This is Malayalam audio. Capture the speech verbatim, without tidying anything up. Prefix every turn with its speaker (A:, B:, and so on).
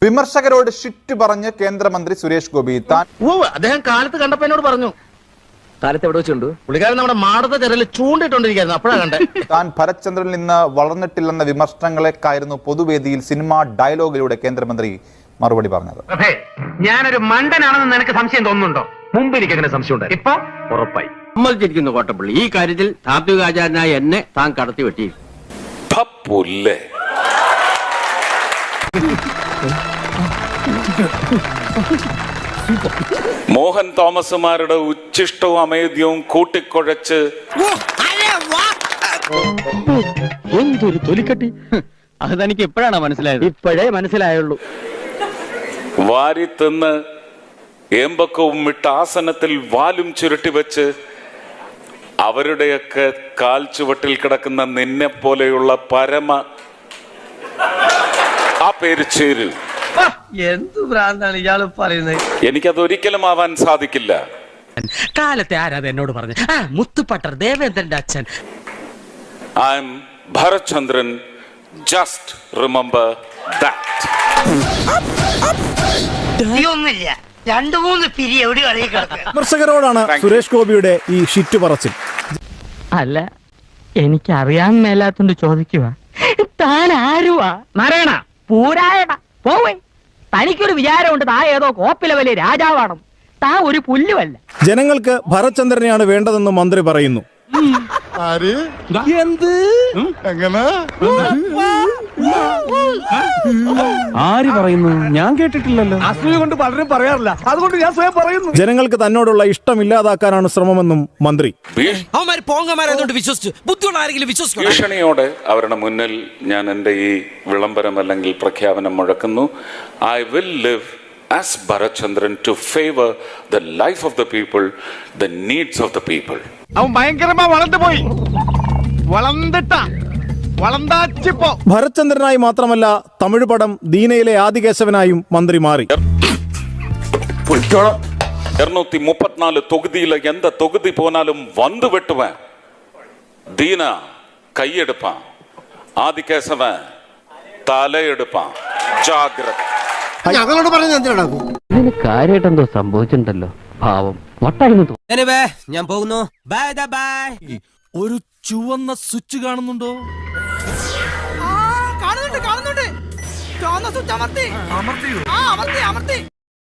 A: വിമർശകരോട് ഷിറ്റ് പറഞ്ഞ് കേന്ദ്രമന്ത്രി സുരേഷ് ഗോപി. താൻ
B: അദ്ദേഹം കാലത്ത് കണ്ടപ്പോ എന്നോട് പറഞ്ഞു. കാലത്ത് എവിടെ വെച്ചുണ്ട്? പുള്ളിക്കാരൻ നമ്മുടെ മാടത്തെ തെരയിൽ ചൂണ്ടിട്ടോണ്ടിരിക്കുന്നു. അപ്പോഴാ കണ്ടേ.
A: താൻ ഭരത്ചന്ദ്രനിൽ നിന്ന് വളർന്നിട്ടില്ലെന്ന വിമർശനങ്ങളെക്കായിരുന്നു പൊതുവേദിയിൽ സിനിമാ ഡയലോഗിലൂടെ കേന്ദ്രമന്ത്രി മറുപടി പറഞ്ഞത്.
C: ഞാനൊരു മണ്ടനാണെന്ന് നിനക്ക് സംശയം തോന്നുന്നുണ്ടോ? മുമ്പ് എനിക്ക് അങ്ങനെ സംശയം ഉണ്ടായി, ഇപ്പൊ ഉറപ്പായി.
D: സമ്മതിച്ചിരിക്കുന്നു കോട്ടപ്പള്ളി. ഈ കാര്യത്തിൽ താത്വികാചാരനായ എന്നെ താൻ കടത്തി വെട്ടി.
E: മോഹൻ തോമസുമാരുടെ ഉച്ചിഷ്ടവും അമേദ്യവും കൂട്ടിക്കുഴച്ച്
D: എന്തൊരു തൊലിക്കട്ടി! അത് തനിക്ക് എപ്പോഴാണ് മനസ്സിലായത്? ഇപ്പോഴേ മനസ്സിലായുള്ളൂ.
E: വാരി തിന്ന് ഏമ്പക്കവും വിട്ട ആസനത്തിൽ വാലും ചുരുട്ടി വെച്ച് അവരുടെയൊക്കെ കാൽ ചുവട്ടിൽ കിടക്കുന്ന നിന്നെ പോലെയുള്ള പരമ ആ പേര് ചേരു.
F: എന്ത് ഭ്രാന്താണ് ഇയാള് പറയുന്നത്?
E: എനിക്കതൊരിക്കലും ആവാൻ സാധിക്കില്ല.
G: കാലത്തെ ആരാധ എന്നോട് പറഞ്ഞു. ആ മുത്തുപട്ടർ ദേവേന്ദ്രന്റെ അച്ഛൻ.
E: I am Bharatchandran. Just remember that.
F: ഒന്നുമില്ല, രണ്ടു മൂന്ന് പിരി എവിടെ
H: വിമർശകരോടാണ് സുരേഷ് ഗോപിയുടെ ഈ ഷിറ്റ് പറച്ചിൽ.
G: അല്ല, എനിക്ക് അറിയാൻ മേലാത്തോണ്ട് ചോദിക്കുക, താൻ ആരുവാ? നാരായണ പൂരായണ പോവേ. തനിക്കൊരു വിചാരമുണ്ട് താ ഏതോ കോപ്പിലെ വലിയ രാജാവാണ്. താ ഒരു പുല്ലുമല്ല.
H: ജനങ്ങൾക്ക് ഭരത്ചന്ദ്രനെയാണ് വേണ്ടതെന്ന് മന്ത്രി പറയുന്നു.
D: ആര് പറയുന്നു? ഞാൻ കേട്ടിട്ടില്ലല്ലോ.
H: അസൂയ കൊണ്ട് പലരും പറയാറില്ല, അതുകൊണ്ട് ഞാൻ സ്വയം പറയുന്നു. ജനങ്ങൾക്ക് തന്നോടുള്ള ഇഷ്ടമില്ലാതാക്കാനാണ് ശ്രമമെന്നും മന്ത്രി.
E: ഭീഷണിയോടെ അവരുടെ മുന്നിൽ ഞാൻ എൻ്റെ ഈ വിളംബരം അല്ലെങ്കിൽ പ്രഖ്യാപനം മുഴക്കുന്നു. I will live as Bharatchandran to favor the life of the people, the needs of the people.
B: അവൻ ഭയങ്കരമാ വളർന്നുപോയി. വളർന്നിട്ട വളർന്നാച്ചിപ്പോ
H: ഭരത്ചന്ദ്രനായി മാത്രമല്ല തമിഴ് പടം ദീനയിലെ ആദികേശവനായും മന്ത്രി മാറി.
E: இருநூத்தி முப்பத்தினாலு தொகுதியில எந்த தொகுதி போனாலும் வந்து வெட்டுவேன். தீனா கையெடுப்பான், ஆதிகேசவன் தலையெடுப்பான். ஜாகிரதை.
F: ഞങ്ങളോട് പറഞ്ഞ എന്തിനാ?
D: ഇതിന് കാര്യമായിട്ട് എന്തോ സംഭവിച്ചിട്ടുണ്ടല്ലോ. പാവം വട്ടായിരുന്നു.
G: ഞാൻ പോകുന്നു. Bye bye.
I: ഒരു ചുവന്ന സ്വിച്ച് കാണുന്നുണ്ടോ?
F: കാണുന്നുണ്ട് കാണുന്നുണ്ട്. ചുവന്ന സ്വിച്ച് അമർത്തി. അമർത്തി അമർത്തി.